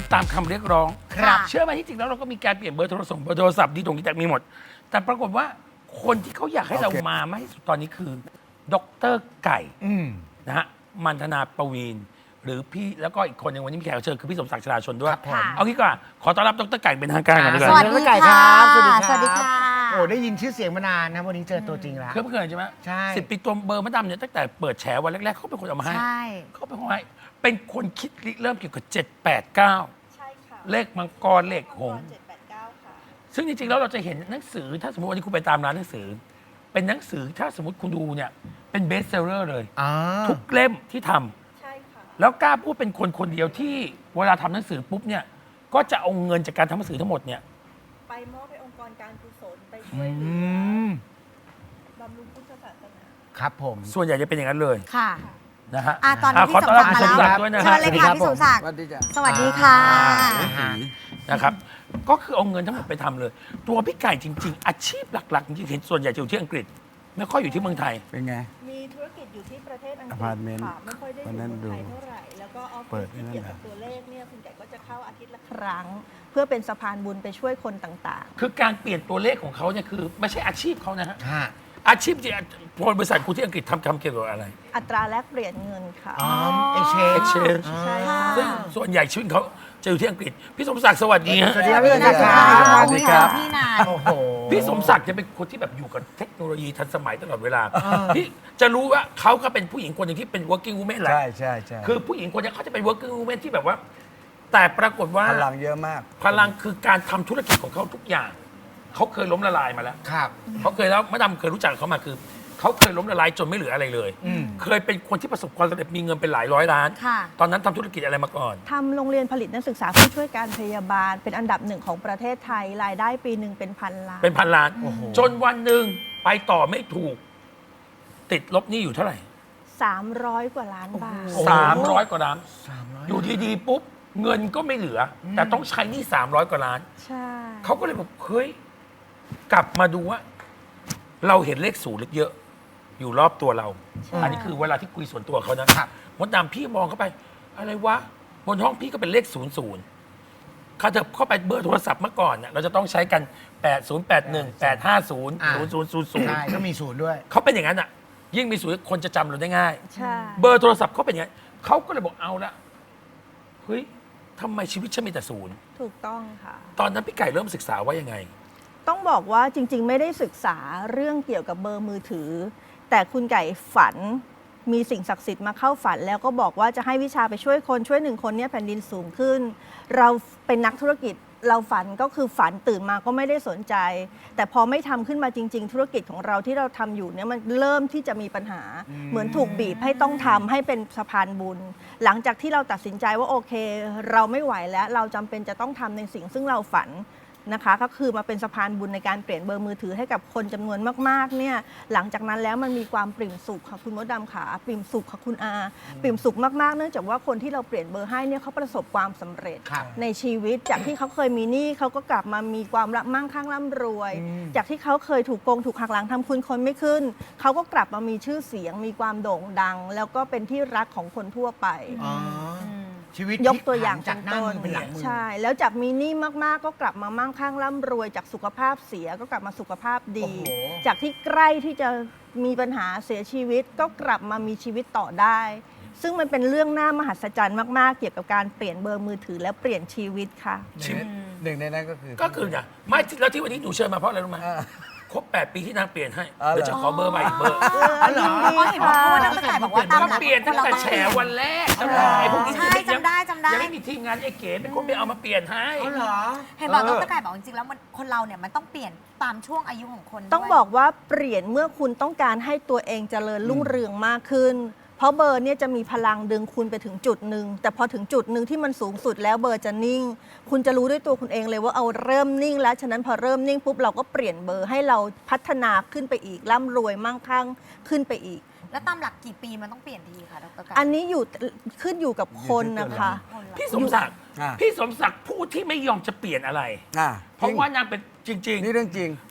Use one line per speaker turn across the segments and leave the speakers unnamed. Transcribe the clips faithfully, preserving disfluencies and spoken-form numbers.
ตามคำเรียกร้อง
ครับ
เชื่อไหมที่จริงแล้วเราก็มีการเปลี่ยนเบอร์โทรศัพท์เบอร์โทรศัพท์ดีตรงนี้แต่มีหมด แต่ปรากฏว่าคนที่เขาอยากให้เรา
โอเค
มามากที่สุดตอนนี้คือดรไก่
อืม
นะฮะมันธนาประวีนหรือพี่แล้วก็อีกคนหนึ่งวันนี้มีแขกรับเชิญคือพี่สมศักดิ์ชลาชนด้วย
ครับผม
เอางี้ก่อนขอต้อนรับดรไก่เป็นทางการก่อนดีก
ส
ว่า
วัสดีครับ
สวัสดี
สวัสดี
ค่ะ
โอ้ได้ยินชื่อเสียงมานานนะวันนี้เจอตัวจริงแล้ว
เคยไม่เคยใช่ไหม
ใช่
สิบปีตัวเบอร์มะดำเนี่ยตั้งแต่เปิดแฉวันแรกๆเขาเป็นคนเอามาให้
ใช่
เขาเป็นคนให้เป็นคนคิดริเริ่มเกี่ยวกับเจ็ดแปดเก้า
ใช่ค่ะ
เลขมังกรเลขหงส์
เจ็ดแปดเก้าค่ะ
ซึ่งจริงๆแล้วเราจะเห็นหนังสือถ้าสมมติวันนี้คุณไปตามร้านหนังสือ เป็นหนังสือถ้าสมมติคุณดูเนี่ยเป็นเบสเซลเลอร์เลย
อ่า
ทุกเล่มที่ทำ
ใช่ค่ะ
แล้วกล้าพูดเป็นคนคนเดียวที่เวลาทำหนังสือปุ๊บเนี่ยก็จะเอาเงินจากการทำหนังสือทั้งหมดเนี่ย
ไปมอบให้องค์กรการกุศลไปช่วยเหลื
อื
อ
ม
บำรุงพุทธศาสนา
ครับผม
ส่วนใหญ่จะเป็นอย่างนั้นเลย
ค่ะ
นะฮะ
อ่ะตอนนี้
อ่ะ
พี่
ขอ
ส
ต้อ
ม
นรับ
ศักดิ์
พี่
มา
สม
แล้ว
ศักดิ์ด้วยนะ
เชิ
ฮะ
ญเลยค่ะพี่สมศักดิ์
สวัสดีจ้ะ
สวัสดีค่ะ
อ่า
นะครับ ก็คือเอาเงินทั้งหมดไปทำเลย ตัวพี่ไก่จริง ๆ อาชีพหลักๆจริงๆเห็นส่วนใหญ่จะอยู่ที่อังกฤษ ไม่ค่อยอยู่ที่เมืองไทย
เป็นไง
มีธุรกิจอยู่ที่ประเทศอังกฤษ
อพาร์ตเมนต์
ค่ะ ไม่ค่อยได้อ
วัน
ยู่
นั้น
เมืองไทย
ดู
เท่าไหร่ แล้วก็ออฟ
เปิ
ฟิ
ด
ศที่
นั่น
เกี่ยว
น่ะ
กับตัวเลขเนี่ยคุณไก่ก็จะเข้าอาทิตย์ละครั้ง เพื่อเป็นสะพานบุญไปช่วยคนต่าง
คือการเปลี่ยนตัวเลขของเขาเนี่ยคือไม่ใช่อาชีพเขานะฮะ
ฮะ
อาชีพจริงๆพอบริษัทคุณที่อังกฤษทำทำเกี่ยวกับอะไร
ๆ อัตราแลกเปลี่ยนเงินค่ะ
อ๋อเอเชน
exchange
ใช่ค่ะ
ซึ่งส่วนใหญ่ชีวิตเขาจะอยู่ที่อังกฤษ พี่สมศักดิ์สวัสดีฮะ
สวัสดีครับพี่
สวัสดีค่ะ
สวั
ส
ส
วัส
ดี
ดี
ค
ค
รั
รับ บพี่นาย
โอ้โห
พี่สมศักดิ์จะเป็นคนที่แบบอยู่กับเทคโนโลยีทันสมัยตลอดเวลา
เออ
พี่จะรู้ว่าเขาก็เป็นผู้หญิงคนหนึ่งที่เป็น working woman แหละ
ใช่ใช่ใช่
คือผู้หญิงคนนี้เขาจะเป็น working woman ที่แบบว่า แต่ปรากฏว่า
พลังเยอะมาก
พลังคือการทำธุรกิจของเขาทุกอย่าง เขาเคยล้มละลายมาแล้ว
ครับ
เขาเคยแล้วมะดำเคยรู้จักเขามาคือ เขาเคยล้มละลายจนไม่เหลืออะไรเลย
อืม
เคยเป็นคนที่ประสบความสำเร็จมีเงินเป็นหลายร้อยล้าน
ค่ะ
ตอนนั้นทำธุรกิจอะไรมาก่อน
ทำโรงเรียนผลิตนักศึกษาผู้ช่วยการพยาบาล เป็นอันดับหนึ่งของประเทศไทย รายได้ปีหนึ่งเป็นพันล้าน
เป็นพันล้าน
โอ้โห
จนวันหนึ่งไปต่อไม่ถูก ติดลบหนี้อยู่เท่าไหร่
สามร้อยกว่าล้านบาท
สามร้อยกว่าล้าน
สามร้อย
อยู่ดีๆปุ๊บ เงินก็ไม่เหลืออแต่ต้องใช้หนี้สามร้อยกว่าล้าน
ใช่
เขาก็เลยบอกเฮ้ย กลับมาดูว่า เราเห็นเลขศูนย์เยอะๆอยู่รอบตัวเรา อันนี้คือเวลาที่คุยส่วนตัวเขานะครับ มดดำพี่มองเข้าไป อะไรวะ บนห้องพี่ก็เป็นเลขศูนย์ศูนย์ถ้าเธอเข้าไปเบอร์โทรศัพท์เมื่อก่อนเนี่ยเราจะต้องใช้กัน แปด ศูนย์ แปด หนึ่ง แปด ห้า ศูนย์
อ่า
ศูนย์ ศูนย์ ศูนย์ ศูนย์
ใช่ก็มีศูนย์ด้วย
เขาเป็นอย่างนั้นอ่ะ ยิ่งมีศูนย์คนจะจำเราได้ง่าย
ใช่
เบอร์โทรศัพท์เขาเป็นอย่างนั้นเขาก็เลยบอกเอาละเฮ้ยทำไมชีวิตฉันมีแต่ศูนย์
ถูกต้องค่ะ
ตอนนั้นพี่ไก่เริ่มศึกษาว่ายังไง
ต้องบอกว่าจริง ๆ ไม่ได้ศึกษาเรื่องเกี่ยวกับเบอร์มือถือ แต่คุณไก่ฝันมีสิ่งศักดิ์สิทธิ์มาเข้าฝัน แล้วก็บอกว่าจะให้วิชาไปช่วยคนช่วยหนึ่งคนเนี่ยแผ่นดินสูงขึ้น เราเป็นนักธุรกิจเราฝันก็คือฝันตื่นมาก็ไม่ได้สนใจ แต่พอไม่ทำขึ้นมาจริง ๆ ธุรกิจของเราที่เราทำอยู่เนี่ยมันเริ่มที่จะมีปัญหา เหมือนถูกบีบให้ต้องทำให้เป็นสะพานบุญ หลังจากที่เราตัดสินใจว่าโอเค เราไม่ไหวแล้วเราจำเป็นจะต้องทำในสิ่งซึ่งเราฝันนะคะก็คือมาเป็นสะพานบุญในการเปลี่ยนเบอร์มือถือให้กับคนจำนวนมากๆเนี่ยหลังจากนั้นแล้วมันมีความปริ่มสุขค่ะคุณมดดำขาปริ่มสุขค่ะคุณอาปริ่มสุขมากๆเนื่องจากว่าคนที่เราเปลี่ยนเบอร์ให้เนี่ยเขาประสบความสำเร็จ
ครับ
ในชีวิตจากที่เขาเคยมีหนี้เขาก็กลับมามีความมั่งคั่งร่ำรวย
อืม
จากที่เขาเคยถูกโกงถูกหักหลังทำคุณคนไม่ขึ้น เขาก็กลับมามีชื่อเสียง มีความโด่งดัง แล้วก็เป็นที่รักของคนทั่วไป
อ๋อชีวิต
ยกตัวอย่าง
จากหน้ามือเป็นหลังมือ
ใช่ แล้วจากมีหนี้มากๆ ก็กลับมามั่งคั่งร่ำรวย จากสุขภาพเสียก็กลับมาสุขภาพดี
โอ้โห
จากที่ใกล้ที่จะมีปัญหาเสียชีวิตก็กลับมามีชีวิตต่อได้ ซึ่งมันเป็นเรื่องน่ามหัศจรรย์มากๆ เกี่ยวกับการเปลี่ยนเบอร์มือถือและเปลี่ยนชีวิตค่ะ
ชีวิต
หนึ่งในนั้นก็คือ
ก็คือเนี่ยไม่แล้วที่วันนี้หนูเชิญมาเพราะอะไรรู้ไหม
อ่า
ครบแปดปีที่นางเปลี่ยนให้
อ๋อเหรอ
เดี๋ยวจะขอเบอร์ใหม่อีกเบอร์
อ๋อเหรอ
เพราะเห็นบอกว่าตั้งแต่บอกว่าตาม
มัน
หลัก
เปลี่ยนตั้งแต่แฉวันแรกจำได้พวกนี้
ใช่จำได้จำได้
ยังไม่มีทีมงานไอ้เก๋เป็นคนไปเอามาเปลี่ยนให้
อ๋อเหรอ
เห็นบอก
เอ
ด
อ
รไก่บอกจริงๆแล้วมันคนเราเนี่ยมันต้องเปลี่ยนตามช่วงอายุของคนด้วย
ต้องบอกว่าเปลี่ยนเมื่อคุณต้องการให้ตัวเองเจริญรุ่งเรืองมากขึ้น เพราะเบอร์เนี่ยจะมีพลังดึงคุณไปถึงจุดหนึ่งแต่พอถึงจุดหนึ่งที่มันสูงสุดแล้วเบอร์จะนิ่ง คุณจะรู้ด้วยตัวคุณเองเลยว่าเอาเริ่มนิ่งแล้วฉะนั้นพอเริ่มนิ่งปุ๊บเราก็เปลี่ยนเบอร์ให้เราพัฒนาขึ้นไปอีกร่ำรวยมั่งคั่งขึ้นไปอีก
แล้วตามหลักกี่ปีมันต้องเปลี่ยนทีคะดรไก่
อันนี้อยู่ขึ้นอยู่กับคนนะคะ
คนละ
พี่สมศักดิ์
อ่า
พี่สมศักดิ์ผู้ที่ไม่ยอมจะเปลี่ยนอะไร
อ่า
เพราะว่านางเป็นจริง
นี่เรื่องจริง
ๆ เป็น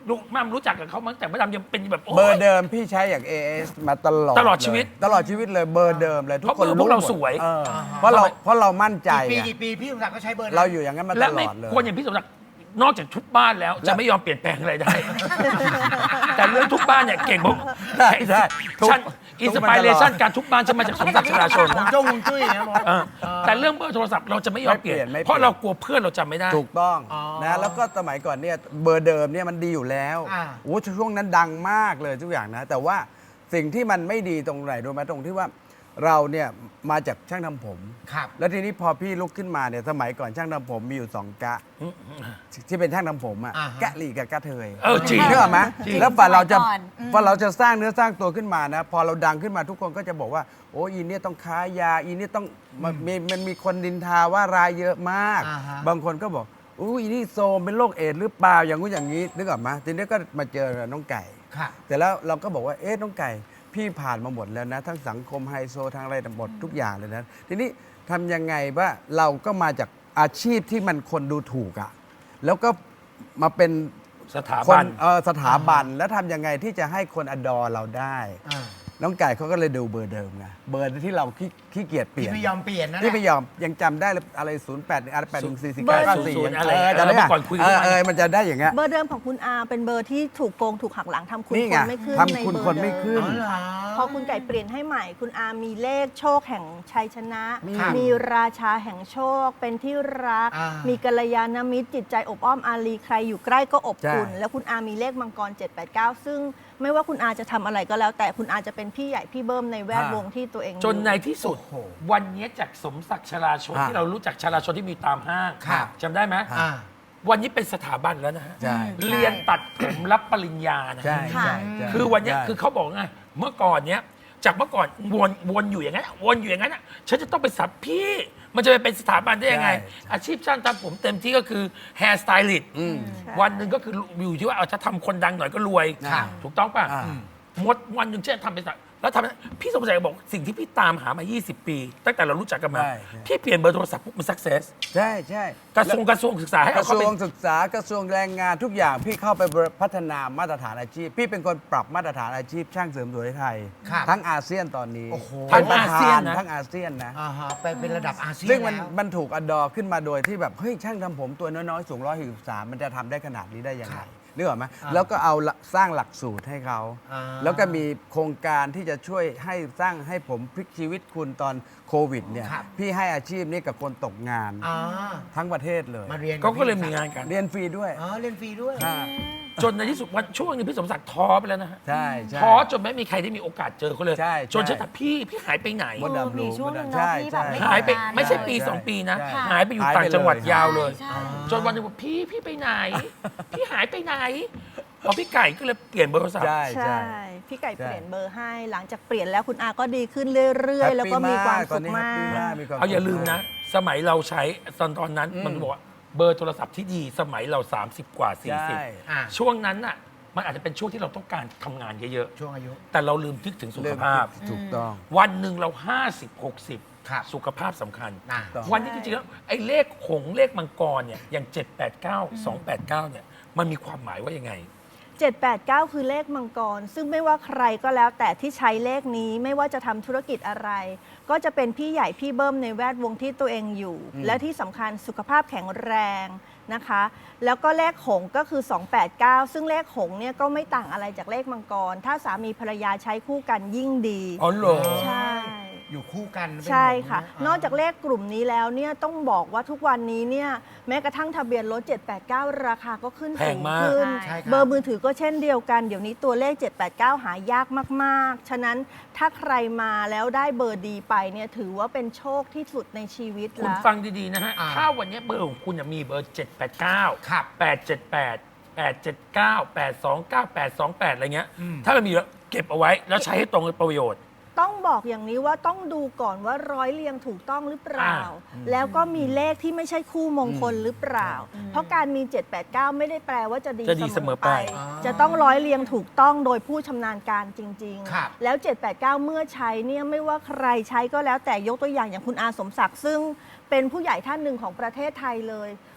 ลุงมั่มรู้จักกับเขามั้งแต่มดดำยังเป็นแบบโย
เบอร์เดิมพี่ใช้อย่าง เอ เอส มาตลอด
ตลอดชีวิต
เลยตลอดชีวิตเลยเบอร์เดิมเลยทุก
เพราะ
คน
เบอร์พวกเรา
หมด
สวย
เออเพราะเราเพราะเรามั่นใจ
กี่ปี
ไง
กี่ปีพี่สมศักดิ์ก็ใช้เบอร์นั้น
เราอยู่อย่างนั้นมาต
และ
ล
ไม่
อดเลย
คนอย่างพี่สมศักดิ์นอกจากทุบบ้านแล้ว
แล้
จะ
ว
ไม่ยอมเปลี่ยนแปลงอะไรได้ แต่เรื่องทุบบ้านเนี่ยเก่งบอก
ใช่ใช่ทุบ
ฉัน
ทุ
อิน
บ
ส
มา
ปิ
ตลอด
เรชันการทุบบ้านฉันมาจากสมศักดิ์ชลาชน
ผมจ้องฮวงจุ้ยนะมด
เออแต่เรื่องเบอร์โทรศัพท์เราจะไม่ยอมเปลี่ยน
ไม่เปลี่ยนไม่เปลี่ยน
เพราะเรากลัวเพื่อนเราจำไม่ได้
ถูกต้อง
อ๋อ
นะแล้วก็สมัยก่อนเนี่ยเบอร์เดิมเนี่ยมันดีอยู่แล้ว
อ่า
โอ้ช่วงนั้นดังมากเลยทุกอย่างนะ แต่ว่าสิ่งที่มันไม่ดีตรงไหนรู้ไหมตรงที่ว่าเราเนี่ยมาจากช่างทำผม
ครับ
แล้วทีนี้พอพี่ลุกขึ้นมาเนี่ยสมัยก่อนช่างทำผมมีอยู่สองกะ ที่เป็นช่างทำผมอะ
อ่าฮะ
กะหลีกับกะเทย
เออจริง
เชื่อไหม
จริง
แล้วฝ่าเราจะ
สมัยก่อนอืม
ฝ่าเราจะสร้างเนื้อสร้างตัวขึ้นมานะ พอเราดังขึ้นมาทุกคนก็จะบอกว่า โอ้อีเนี่ยต้องค้ายาอีเนี่ยต้องมันมีมันมีคนดินทาว่ารายเยอะมาก
อ่าฮะ
บางคนก็บอกอู้อีนี่โซมเป็นโรคเอดส์หรือเปล่าอย่างงู้นอย่างนี้นึกออกไหมทีนี้ก็มาเจอน้องไก่
ครับ
แต่แล้วเราก็บอกว่าเอ๊ะน้องไก่พี่ผ่านมาหมดแล้วนะ ทั้งสังคมไฮโซทั้งอะไรหมดทุกอย่างเลยนะ ทีนี้ทำยังไงว่าเราก็มาจากอาชีพที่มันคนดูถูกอะแล้วก็มาเป็น
สถา
ค
บั
น
น
เออสถาบันแล้วทำยังไงที่จะให้คนอดอเราได้
อ่า
น้องไก่เขาก็เลยดูเบอร์เดิมไงเบอร์ที่เราขี้ขี้เกียจเปลี่
พี่
ยน
ไม่ยอมเปลี่ยนนะ
ที่ไม่ยอมยังจำได้เลยอะไรศูนย์แปดอะไรแปดหนึ่งสี่สี่
เบอ
เก้า
ร์
เก้าสี่
ศูนย์อะไร
เออจำได้
เมื่
ปะ
อก่อนคุยกัน
เอ
ทุ
อก
วัน
เออมันจะได้อย่างเงี้ย
เบอร์เดิมของคุณอาเป็นเบอร์ที่ถูกโกงถูกหักหลังทำคุณ
นี่
ค
ไง
นไม่ขึ้น
ทำ
ใน
คุณ
เบอร์
คนไม่
เดิม
ขึ้น
อ๋อเหรอ
พอคุณไก่เปลี่ยนให้ใหม่ คุณอามีเลขโชคแห่งชัยชนะ
ครับ
มีราชาแห่งโชค เป็นที่รัก
อ่ามี
มีกัลยาณมิตรจิตใจอบอ้อมอารีใครอยู่ใกล้ก็อบอุ่น
ใช่
แล้วคุณอามีเลขมังกร เจ็ด แปด เก้า ซึ่งไม่ว่าคุณอาจะทำอะไรก็แล้ว แต่คุณอาจะเป็นพี่ใหญ่พี่เบิ้มในแวดวงที่ตัวเองอยู่
จนในที่สุด
โอ้โห
วันนี้จากสมศักดิ์ชลาชน
ฮะ
ที่เรารู้จักชลาชนที่มีตามห้าง
ครับ
จำได้ไหม
อ่า
วันนี้เป็นสถาบันแล้วนะฮะ
ใช่
เรียนตัดผมรับปริญญานะ
ใช่
ฮะ
ใช่ใช่
คือวันเนี้ย
ใช่
คือเขาบอกไงเมื่อก่อนเนี้ยจากเมื่อก่อนวนวนอยู่อย่างนั้นอะวนอยู่อย่างนั้นอะฉันจะต้องไปสับพี่ มันจะไปเป็นสถาบันได้ยังไง
ใช่
อาชีพช่างทำผมเต็มที่ก็คือแฮร์สไตลิสต์
อืม
วันหนึ่งก็คืออยู่ที่ว่าเอาถ้าทำคนดังหน่อยก็รวย
ครับ
ถูกต้องป่ะ
อ่า
หมดวันหนึ่งฉันจะทำเป็นสักแล้วทำพี่สมศักดิ์บอกสิ่งที่พี่ตามหามา ยี่สิบ ปี ตั้งแต่เรารู้จักกันมา
ใช่ใช่
พี่เปลี่ยนเบอร์โทรศัพท์ปุ๊บมันสักเซส
ใช่ใช่
กระทรวงกระทรวงศึกษาให้
ก
เอา
ระท
เข้าร ไป
วงศึกษากระทรวงแรงงานทุกอย่างพี่เข้าไปพัฒนามาตรฐานอาชีพ พี่เป็นคนปรับมาตรฐานอาชีพช่างเสริมสวยไทย
ครับ
ทั้งอาเซียนตอนนี้
โอ้โห
ทั้ง
ป็ประ
อาเซียน
ธ
นะ
ทั้งอาเซียนนะ
อ่าฮะไปเป็นระดับอาเซียน
ซึ่งมัน
แล้ว
มันถูกอดอขึ้นมาโดยที่แบบเฮ้ยช่างทำผมตัวน้อยๆสูงร้อยหกสิบสามมันจะทำได้ขนาดนี้ได้ยังไง
ครับ
นึกออกไหม
อ่า
แล้วก็เอาละสร้างหลักสูตรให้เขา
อ่า
แล้วก็มีโครงการที่จะช่วยให้สร้างให้ผมพลิกชีวิตคุณตอนโควิดเนี่ย
ครับ
พี่ให้อาชีพนี้กับคนตกงาน
อ่า
ทั้งประเทศเลย
มาเรียน
ก็ก็เลยมีงานกัน
เรียนฟรีด้วย
อ๋อเรียนฟรีด้วย
อ่า
จนในที่สุดวันช่วงหนึงพี่สมศักดิ์ท้อไปแล้วนะฮะ
ใช่ใช่
ท้อจนไม่มีใครได้มีโอกาสเจอเขาเลย
ใช่
จนฉัน
ใช่
ถามพี่พี่หายไปไหน
มดดำรู้
มีช่วงหนึ่ง
ใช่
เนอะที่แบบไม่
ใช่
หายไป
ทำงาน
ไม่ใช่ปี
ใช่
สองปีนะ
ใช่
หายไปอยู่
หายไป
ต่างจังหวัด
เลย
ยาวเลย
ใช่
จนวันหนึงบอกพี่พี่ไปไหน พี่หายไปไหนพอพี่ไก่ก็เลยเปลี่ยนเบอร์โทรศัพท์
ใช่
ใช่
ใช่
พี่ไก่
ใช่
เปลี่ยนเบอร์ให้ หลังจากเปลี่ยนแล้วคุณอาก็ดีขึ้นเรื่อย ๆ แล้วก็มีความ
ตอ
สุ
น
ข
นี้
มา
แฮปปี้มาก
ก
มีความ
เอาอย่า
สุข
ลืมนะ สมัยเราใช้ตอนตอนนั้น
อืม
มันบอกว่าเบอร์โทรศัพท์ที่ดีสมัยเรา สามสิบ กว่า
ใช่
อ่า
สี่สิบ ช่วงนั้นน่ะมันอาจจะเป็นช่วงที่เราต้องการทำงานเยอะ
ช่วงอายุ
ๆ แต่เราลืมนึกถึงสุขภาพ
ถูกต้อง
วันหนึ่งเรา ห้าสิบ หกสิบ
ครับ
สุขภาพสำคัญ
อ่า
ต้อง
วันนี้จริงๆแล้วไอ้เลขหงส์เลขมังกรเนี่ยอย่าง เจ็ด แปด เก้า สอง แปด เก้า เนี่ยมันมีความหมายว่ายังไง
เจ็ด แปด เก้า คือเลขมังกร ซึ่งไม่ว่าใครก็แล้วแต่ที่ใช้เลขนี้ไม่ว่าจะทำธุรกิจอะไร ก็จะเป็นพี่ใหญ่พี่เบิ้มในแวดวงที่ตัวเองอยู่
อืม
และที่สำคัญสุขภาพแข็งแรงนะคะ แล้วก็เลขหงส์ก็คือ สอง แปด เก้า ซึ่งเลขหงส์เนี่ยก็ไม่ต่างอะไรจากเลขมังกร ถ้าสามีภรรยาใช้คู่กันยิ่งดี
อ๋อเหรอ
ใช่
อยู่คู่กันเป็น
ใช่ค่ะ
หงส์
นอกจากเลขกลุ่มนี้แล้วเนี่ยต้องบอกว่าทุกวันนี้เนี่ยแม้กระทั่งทะเบียนรถ เจ็ด แปด เก้า ราคาก็ขึ้น
แพ
สู
ง
ง
มาก
ขึ้น
ใช่ครับ
เบอร์มือถือก็เช่นเดียวกัน เดี๋ยวนี้ตัวเลข เจ็ด แปด เก้า หายากมากๆ ฉะนั้นถ้าใครมาแล้วได้เบอร์ดีไปเนี่ยถือว่าเป็นโชคที่สุดในชีวิต
คุณ
แล้ว
ฟังดีๆนะฮะ
อ่า
ถ้าวันนี้เบอร์ของคุณน่ะมีเบอร์ เจ็ด แปด เก้า
ครับ
แปด เจ็ด แปด แปด เจ็ด เก้า แปด สอง เก้า แปด สอง แปด อะไรเงี้ย
อืม
ถ้ามันมีแล้วเก็บเอาไว้ แล้วใช้ให้ตรงกับประโยชน์
ต้องบอกอย่างนี้ว่าต้องดูก่อนว่าร้อยเรียงถูกต้องหรือเปล่า
อ่า
แล้วก็มีเลขที่ไม่ใช่คู่มงคลหรือเปล่า เพราะการมี เจ็ด แปด เก้า ไม่ได้แปลว่าจะดี
จะดีเสมอไป
อ๋อ
จะต้องร้อยเรียงถูกต้องโดยผู้ชำนาญการจริง
ครับ
ๆ แล้ว เจ็ด แปด เก้า เมื่อใช้เนี่ยไม่ว่าใครใช้ก็แล้วแต่ยกตัวอย่างอย่างคุณอาสมศักดิ์ซึ่งเป็นผู้ใหญ่ท่านหนึ่งของประเทศไทยเลย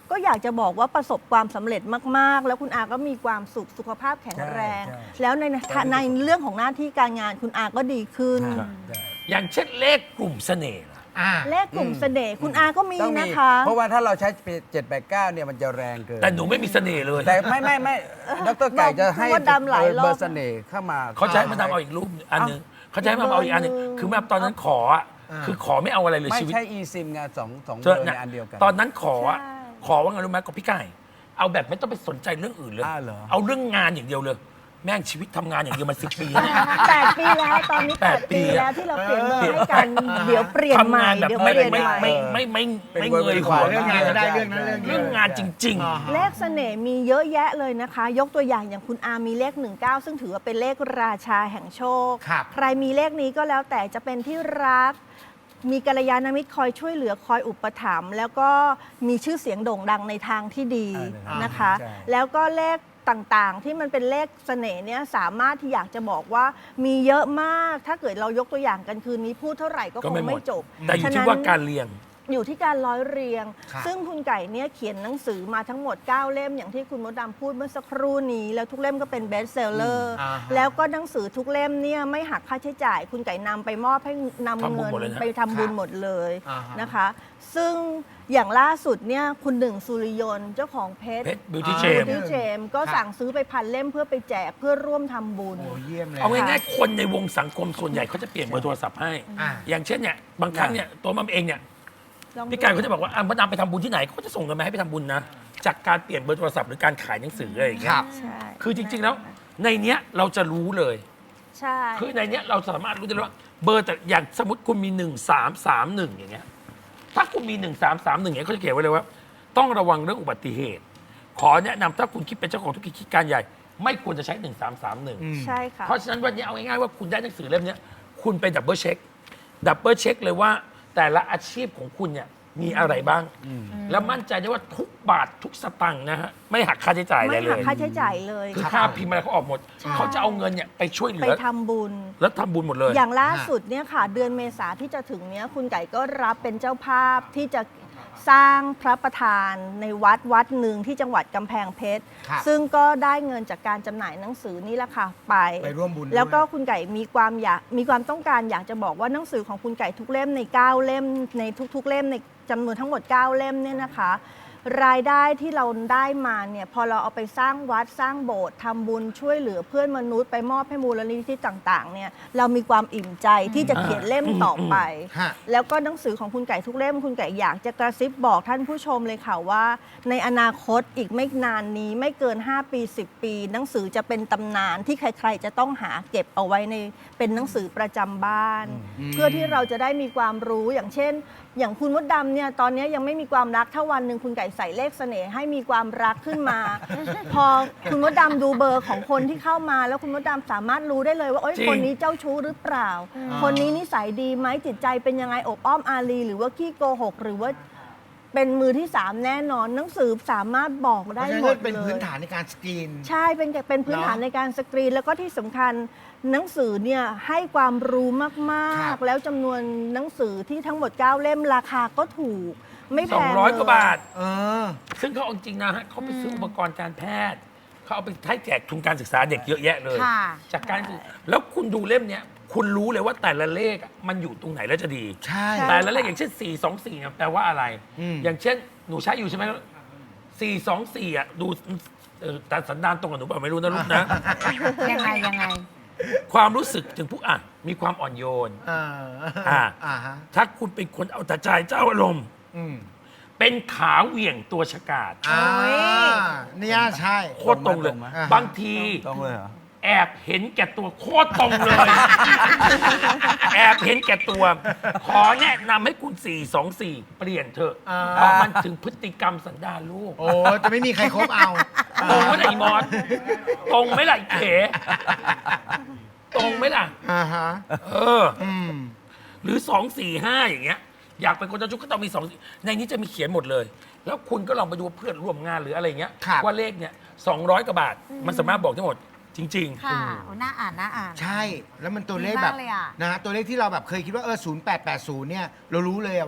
ก็อยากจะบอกว่าประสบความสำเร็จมากๆ แล้วคุณอาก็มีความสุขสุขภาพแข็งแรง
ใช่ใช่
แล้วในในเรื่องของหน้าที่การงานคุณอาก็ดีขึ้น
ครับ อย่างเช่นเลขกลุ่มเสน่ห์ล่ะ
อ่า
เลขกลุ่มเสน่ห์คุณอาก็มี
ต้องมี
นะคะ
เพราะว่าถ้าเราใช้เจ็ดแปดเก้าเนี่ยมันจะแรงเกิน
แต่หนูไม่มีเสน่ห์เลย
แต่ไม่ไม่ไม่ดรไก่จะให้
บอกว่าดำหลายรอบ
เบอร์เสน่ห์เข้ามา
เขาจะให้มาทำเอาอีกรูปอันหนึงเขาจะให้มาเอาอีกอันหนึงคือแบบตอนนั้นขออะ
อ่า
คือขอไม่เอาอะไรเลย
ไม่
ชีวิต
ใช่ e ซิมไงสองสองเบ
เจ
อ
อ
ร์
เนี่ย
ในอันเดียวกัน
ตอนนั้นขออะ
ใช่
ขอว่าไงรู้ไหมกับพี่ไก่เอาแบบไม่ต้องไปสนใจเรื่องอื่นเลย
อ้าวเหรอ
เอาเรื่องงานอย่างเดียวเลย แม่งชีวิตทำงานอย่างเดียวมันสิบปีแล้วเนี่ย
แปดปีแล้วตอนนี้
แป
แป
ด
ด
ปี
ปี
อะ
แล้วที่เราเปลี่ยนเบอร์ให้กันเดี๋ยวเปลี่ยนใหม่
ทำงานแบบ
เดี๋ยว
ไม่
เปลี่ยน
ไม่
ใหม่
ไม่ไม่ไม่ไม่ไม่เงยหัว
เรื่องงานก็ได้เรื่องนั้นเรื่องนี้
เรื่องงานจริง
อ่า
เลขเสน่ห์มีเยอะแยะเลยนะคะ ยกตัวอย่างอย่างคุณอามีเลขหนึ่งเก้าซึ่งถือว่าเป็นเลขราชาแห่งโชค
ครับ
ใครมีเลขนี้ก็แล้วแต่จะเป็นที่รัก มีกัลยาณมิตรคอยช่วยเหลือคอยอุปถัมภ์แล้วก็มีชื่อเสียงโด่งดังในทางที่ดี
อ่า
นะคะ
ใช่
แล้วก็เลขต่างๆ ที่มันเป็นเลขเสน่ห์เนี่ยสามารถที่อยากจะบอกว่ามีเยอะมาก ถ้าเกิดเรายกตัวอย่างกันคืนนี้พูดเท่าไหร่ก็
ก็
ค
ไม่
ง
หมด
ไม่จบ
ๆ แต่อยู่
ฉะ
ที่
นั้น
ว่าการเรียง
อยู่ที่การร้อยเรียง
ครับ
ซึ่งคุณไก่เนี่ยเขียนหนังสือมาทั้งหมด เก้า เล่มอย่างที่คุณมดดำพูดเมื่อสักครู่นี้ แล้วทุกเล่มก็เป็นเบสเซลเลอร์
อ่าฮะ
แล้วก็หนังสือทุกเล่มเนี่ยไม่หักค่าใช้จ่าย คุณไก่นำไปมอบให้นำ
ทำบุญ
เงิน
หมดเลยนะ
ไปทำบุญหมดเลย
อ่าฮะ
นะคะ ซึ่งอย่างล่าสุดเนี่ยคุณหนึ่งสุริยนต์เจ้าของเพชร
เพชรบิวตี้
อ่า
เช
บิ
ม
วตี้เจมก็สั่งซื้อไปพันเล่มเพื่อไปแจกเพื่อร่วมทำบุญ
โอ้เยี่ยมเลย
เอาง่ายๆคนในวงสังคมส่วนใหญ่เขาจะเปลี่ยนเบอร์โทรศัพท์ให้
อ่า
อย่างเช่นเนี่ยบางครั้งเนี่ยตัวมัมเองเนี่ย
ลองดู
พี่ไก่เขาจะบอกว่าอ่ะมดดำไปทำบุญที่ไหนเขาก็จะส่งเงินมาให้ไปทำบุญนะจากการเปลี่ยนเบอร์โทรศัพท์หรือการขายหนังสืออะไรอย่างเงี้
ค
ย
รับ
ใช่
คือจริง ๆ แล้วในเนี้ยเราจะรู้เลย
ใช่
คือในเนี้ยเราสามารถรู้ได้เลยว่าเบอร์แต่อย่างสมมติคุณมีหนึ่งสามสามหนึ่งอย่างเงี้ยถ้าคุณมีหนึ่งสามสามหนึ่งเนี่ยเขาจะเขียนไว้เลยว่า ต้องระวังเรื่องอุบัติเหตุ ขอแนะนำถ้าคุณคิดเป็นเจ้าของธุรกิจกิจการใหญ่ ไม่ควรจะใช้หนึ่งสามสามหนึ่ง
อืม
ใช่ค่ะ
เพราะฉะนั้นวันนี้เอาง่ายๆว่าคุณได้หนังสือเล่มเนี้ยคุณไปดับเบิลเช็คดับเบิลเช็คเลยว่าแต่ละอาชีพของคุณเนี่ยมีอะไรบ้าง แล้วมั่นใจได้ว่าทุกบาททุกสตังค์นะฮะไม่หักค่าใช้จ่ายอะไร
ไม่
เล
หัก
ย
ค่าใช้จ่ายเลย
คือ
ค่ะ
ค่าพิมพ์อะไรเขาออกหมด
ใช่
เขาจะเอาเงินเนี่ยไปช่วยเหลื
ไป
อ
ทำบุญ
แล้วทำบุญหมดเลย
อย่างล่าสุดเนี่ยค่ะ เดือนเมษาที่จะถึงเนี้ยคุณไก่ก็รับเป็นเจ้าภาพที่จะสร้างพระประธานในวัดวัดหนึ่งที่จังหวัดกำแพงเพชร
ครับ
ซึ่งก็ได้เงินจากการจำหน่ายหนังสือนี่แหละค่ะไป
ไปร่วมบุญด้วย
แล้วก็คุณไก่มีความอยากมีความต้องการอยากจะบอกว่าหนังสือของคุณไก่ทุกเล่มในเก้าเล่มในทุก ๆ เล่มในจำนวนทั้งหมด เก้า เล่มเนี่ยนะคะ รายได้ที่เราได้มาเนี่ยพอเราเอาไปสร้างวัดสร้างโบสถ์ทำบุญช่วยเหลือเพื่อนมนุษย์ไปมอบให้มูลนิธิต่างๆเนี่ยเรามีความอิ่มใจที่จะเขียนเล่มต่อไป
ฮะ
แล้วก็หนังสือของคุณไก่ทุกเล่มคุณไก่อยากจะกระซิบบอกท่านผู้ชมเลยค่ะว่า ในอนาคตอีกไม่นานนี้ไม่เกิน ห้า ปี สิบ ปี หนังสือจะเป็นตำนานที่ใคร ๆ จะต้องหาเก็บเอาไว้ในเป็นหนังสือประจำบ้าน เพื่อที่เราจะได้มีความรู้อย่างเช่น อย่างคุณมดดำเนี่ยตอนนี้ยังไม่มีความรักถ้าวันหนึ่งคุณไก่ใส่เลขเสน่ห์ให้มีความรักขึ้นมา พอคุณมดดำดูเบอร์ของคนที่เข้ามา แล้วคุณมดดำสามารถรู้ได้เลยว่าโอ๊ย
จริง
คนนี้เจ้าชู้หรือเปล่า คนนี้นิสัยดีไหมจิตใจเป็นยังไงอบอ้อมอารี หรือว่าขี้โกหก หรือว่าเป็นมือที่สามแน่นอน หนังสือสามารถบอก
เพ
ได้
ราะฉะนั้น
หม
ก็
ด
เป็น
เล
พื้น
ย
ฐานในการสกรีน
ใช่เป็นเป็นพื้นฐาน
เนอะ
ในการสกรีน แล้วก็ที่สำคัญหนังสือเนี่ยให้ความรู้มา
ครั
ก
บ
ๆ แล้วจำนวนหนังสือที่ทั้งหมด เก้า เล่มราคาก็ถูก ไม่แพ
สอง
ง
ร้อย
เล
กว่าบาท
เออ
ซึ่งเขาเอาจริงนะฮะเขาไปซื้ออุปกรณ์การแพทย์ เขาเอาไปให้แจกทุนการศึกษาเด็กเยอะแยะเลย
ค่ะ
จากการศึกแล้วคุณดูเล่มเนี้ยคุณรู้เลยว่าแต่ละเลขอะมันอยู่ตรงไหนแล้วจะดี
ใช่
แต่ละเลขอย่างเช่น สี่ สอง สี่เนี่ยแปลว่าอะไร
อืม
อย่างเช่น หนูใช้อยู่ใช่ไหมสี่ สอง สี่อ่ะดูเออแต่สันดานตรงกับหนูเปล่าไม่รู้นะลูกนะ
ยังไงยังไง
ความรู้สึกถึงผู้อ่ะมีความอ่อนโยน
อ่า
อ่า
อ่าฮะ
ถ้าคุณเป็นคนเอาแต่ใจเจ้าอารมณ์
อืม
เป็นขาเหวี่ยงตัวฉกาจ
อ่า
โอ้ย
เนี่ยใช่
โคตรตรงเลย
ตรงไหม
บางที
ตรงเลยเหรอ
แอบเห็นแก่ตัวโคตรตรงเลย แอบเห็นแก่ตัว ขอแนะนำให้คุณ สี่ สอง สี่ เปลี่ยนเถอะ
อ่า
เพราะมันถึงพฤติกรรมสันดานลูก
โอ้จะไม่มีใครคบเอา
ตรงไหมล่ะอีมอสตรงไหมล่ะอีเขตรงไหมล่ะ
อ่าฮะ
เออ
อืม
หรือสองสี่ห้าอย่างเงี้ย อยากเป็นคนเจ้าชู้ก็ต้องมีสองในนี้จะมีเขียนหมดเลย แล้วคุณก็ลองไปดูว่าเพื่อนร่วมงานหรืออะไรเงี้ย
ครับ
ว่าเลขเนี่ยสองร้อยกว่าบาท มันสามารถบอกได้หมด จริง
ค่ะโอ้น่าอ่านน่าอ่าน
ใช่ แล้วมันตัวเลข
ดี
แบ
มา
บ
กเลยอะ
นะฮะตัวเลขที่เราแบบเคยคิดว่าเออศูนย์แปดแปดศูนย์เนี่ยเรารู้เลยอะว่า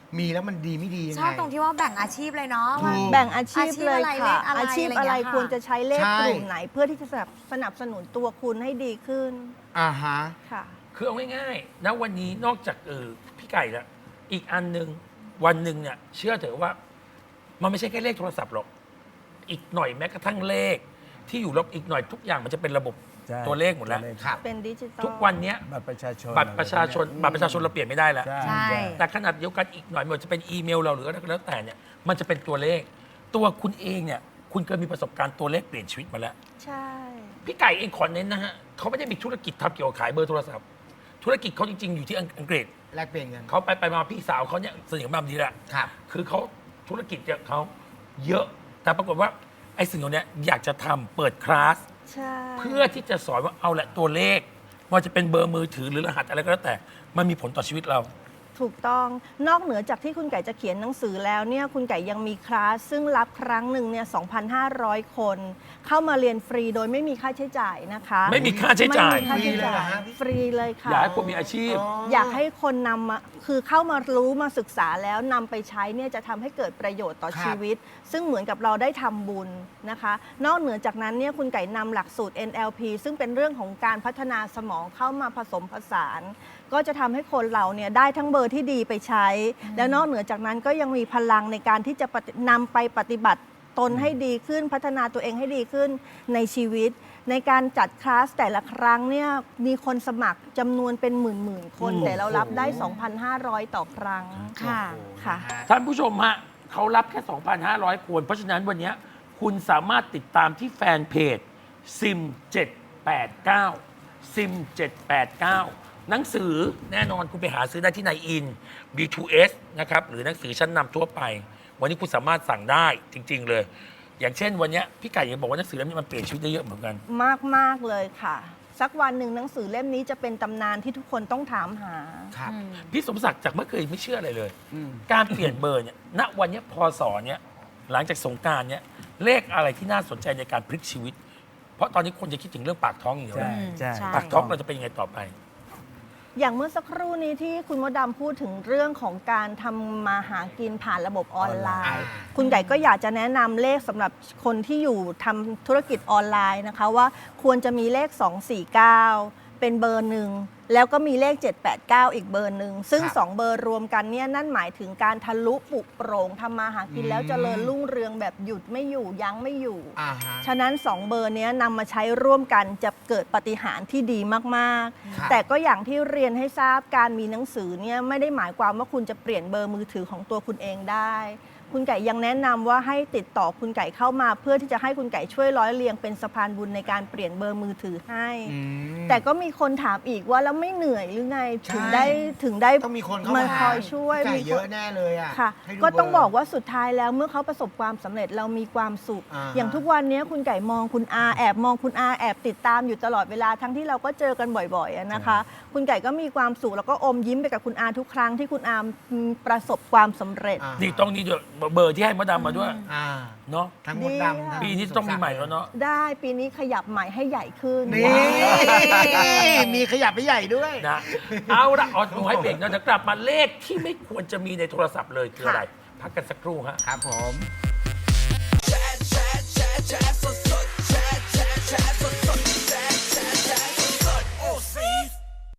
มีแล้วมันดีไม่ดียัง
ช
ไง
อบตรงที่ว่าแบ่งอาชีพเลยเนาะว่า
ถูก
แบ่งอาชีพเลย
อาชีพอะไร
ค่ะ
เลขอะไร
อาชีพอะไร
อะไรอย่างเงี้ยค่ะ
ควรจะใช้เลข
ใช่
กลุ่มไหน เพื่อที่จะสนับสนับสนุนตัวคุณให้ดีขึ้น
อ่าฮะ
ค่ะ
คือเอาง่ายๆนะวันนี้นอกจากเออพี่ไก่ละอีกอันหนึ่งวันหนึ่งเนี่ยเชื่อเถอะว่า มันไม่ใช่แค่เลขโทรศัพท์หรอก อีกหน่อยแม้กระทั่งเลข ที่อยู่รอบอีกหน่อยทุกอย่างมันจะเป็นระบบ
ใช่
ตัวเลขหมดแล้ว
ตัวเข
ครับ
เป็นดิจิตอล
ทุกวันเนี้ย
บัตรประชาชน
บัตรประชาชนบัตรประชาชนเราเปลี่ยนไม่ได้แล้ว
ใช่
ใช่
แต่ขนาดเดียวกันอีกหน่อยไมันจะเป็นอีเมลเราหรืออะไรก็แล้วแต่เนี่ยมันจะเป็นตัวเลข ตัวคุณเองเนี่ยคุณเคยมีประสบการณ์ตัวเลขเปลี่ยนชีวิตมาแล้ว
ใช่
พี่ไก่เองขอเน้นนะฮะเขาไม่ได้มีธุรกิจทำเกี่ยวกับขายเบอร์โทรศัพท์ ธุรกิจเขาจริง ๆ อยู่ที่อังกฤษ
แลกเปลี่ยนกัน
เขาไปไปมาพี่สาวเขาเนี่ยสนิทกับมาดีแหละ
ครับ
คือเขาธุรกิจเนี่ยเขาเยอะ แต่ปรากฏว่าไอ้สิ่งเหล่านี้อยากจะทำเปิดคลาส
ใช่
เพื่อที่จะสอนว่าเอาแหละตัวเลขว่าจะเป็นเบอร์มือถือหรือรหัสอะไรก็แล้วแต่ มันมีผลต่อชีวิตเรา
ถูกต้องนอกเหนือจากที่คุณไก่จะเขียนหนังสือแล้วเนี่ยคุณไก่ยังมีคลาสซึ่งรับครั้งหนึ่งเนี่ย สองพันห้าร้อย คน เข้ามาเรียนฟรีโดยไม่มีค่าใช้จ่ายนะคะ
ไม่มีค่าใช้จ่าย
ไม่มีค่าใช้จ่ายฟรีเลยค่ะ
อยากให้คนมีอาชีพ
อยากให้คนนำมาคือเข้ามารู้มาศึกษาแล้วนำไปใช้เนี่ยจะทำให้เกิดประโยชน์ต่อ
ครับ
ชีวิต ซึ่งเหมือนกับเราได้ทำบุญนะคะ นอกเหนือจากนั้นเนี่ยคุณไก่นำหลักสูตร เอ็น แอล พี ซึ่งเป็นเรื่องของการพัฒนาสมองเข้ามาผสมผสาน ก็จะทำให้คนเราเนี่ยได้ทั้งเบอร์ที่ดีไปใช้ แล้วนอกเหนือจากนั้นก็ยังมีพลังในการที่จะปฏินำไปปฏิบัติตนให้ดีขึ้น พัฒนาตัวเองให้ดีขึ้นในชีวิต ในการจัดคลาสแต่ละครั้งเนี่ยมีคนสมัครจำนวนเป็นหมื่นๆ คน
อืม
แต่เรารับได้ สองพันห้าร้อย ต่อครั้ง
ค่ะ
ค่ะ
ท่านผู้ชมฮะเขารับแค่ สองพันห้าร้อย คน เพราะฉะนั้นวันนี้คุณสามารถติดตามที่แฟนเพจ ซิม เจ็ดแปดเก้า ซิม เจ็ดแปดเก้า หนังสือแน่นอนคุณไปหาซื้อได้ที่ไนอิน บี ทู เอส นะครับ หรือหนังสือชั้นนำทั่วไป วันนี้คุณสามารถสั่งได้จริง ๆ เลย อย่างเช่นวันนี้พี่ไก่ยังบอกว่าหนังสือเล่มนี้มันเปลี่ยนชีวิตได้เยอะเหมือนกัน
มากมากๆเลยค่ะ สักวันหนึ่งหนังสือเล่มนี้จะเป็นตำนานที่ทุกคนต้องถามหา
ครับ
พี่สมศักดิ์จากเมื่อเคยไม่เชื่ออะไรเลย การเปลี่ยนเบอร์เนี่ย ณ วันเนี้ยพศเนี่ยหลังจากสงกรารเนี่ย เลขอะไรที่น่าสนใจในการพลิกชีวิต เพราะตอนนี้คนจะคิดถึงเรื่องปากท้องอย่างเดียว
ใช่
นะ
ใช่
ใช่
ปากท้องเราจะเป็นยังไงต่อไป
อย่างเมื่อสักครู่นี้ที่คุณมดดำพูดถึงเรื่องของการทำมาหากินผ่านระบบออนไลน์
อ่า
คุณไก่ก็อยากจะแนะนำเลขสำหรับคนที่อยู่ทำธุรกิจออนไลน์นะคะว่าควรจะมีเลข สอง สี่ เก้า เป็นเบอร์หนึ่ง แล้วก็มีเลข เจ็ด แปด เก้า อีกเบอร์หนึ่ง ซึ่ง
ครับ
สองเบอร์รวมกันเนี่ยนั่นหมายถึงการทะลุปลุกโปร่งทำมาหากินแล้วเจริญรุ่งเรืองแบบหยุดไม่อยู่ยั้งไม่อยู่
อ่าฮะ
ฉะนั้นสองเบอร์เนี้ยนำมาใช้ร่วมกันจะเกิดปาฏิหารย์ที่ดีมาก
ครับ
ๆ แต่ก็อย่างที่เรียนให้ทราบการมีหนังสือเนี่ยไม่ได้หมายความว่าคุณจะเปลี่ยนเบอร์มือถือของตัวคุณเองได้ คุณไก่ยังแนะนำว่าให้ติดต่อคุณไก่เข้ามา เพื่อที่จะให้คุณไก่ช่วยร้อยเรียงเป็นสะพานบุญในการเปลี่ยนเบอร์มือถือให้
อืม
แต่ก็มีคนถามอีกว่าแล้วไม่เหนื่อยหรือไง
ใช่
ถึงได้ถึงได้
ต้องมีคนเข้า
มา
มา
คอยช่วย
ไก่
มีคน
เยอะแน่เลยอ่ะ
ค่ะ
ให้ดู
ก็ต้อง
เร์
บอกว่าสุดท้ายแล้วเมื่อเขาประสบความสำเร็จเรามีความสุข
อ่าฮะ
อย่างทุกวันนี้คุณไก่มองคุณอาแอบมองคุณอาแอบติดตามอยู่ตลอดเวลาทั้งที่เราก็เจอกันบ่อยๆอะนะคะ คุณไก่ก็มีความสุขแล้วก็อมยิ้มไปกับคุณอาทุกครั้งที่คุณอาประสบความสำเร็จ
อ่า
นี่ต้องนี่ด้วยเบอร์ที่ให้มดดำมาด้วย
อ่า
เนาะ
ทั้งหมดดำทั้ง
ปีนี้ต้องมีใหม่แล้วเนาะ
ได้ปีนี้ขยับใหม่ให้ใหญ่ขึ้น
นี่มีขยับไปใหญ่ด้วย
นะ เอาละออดหนูให้เบรกนะจะกลับมาเลขที่ไม่ควรจะมีในโทรศัพท์เลยคืออะไร พักกันสักครู่ฮะ
ครับผม
แชร์แชร์แชร์แชร์สดสดแชร์แชร์แชร์สดสด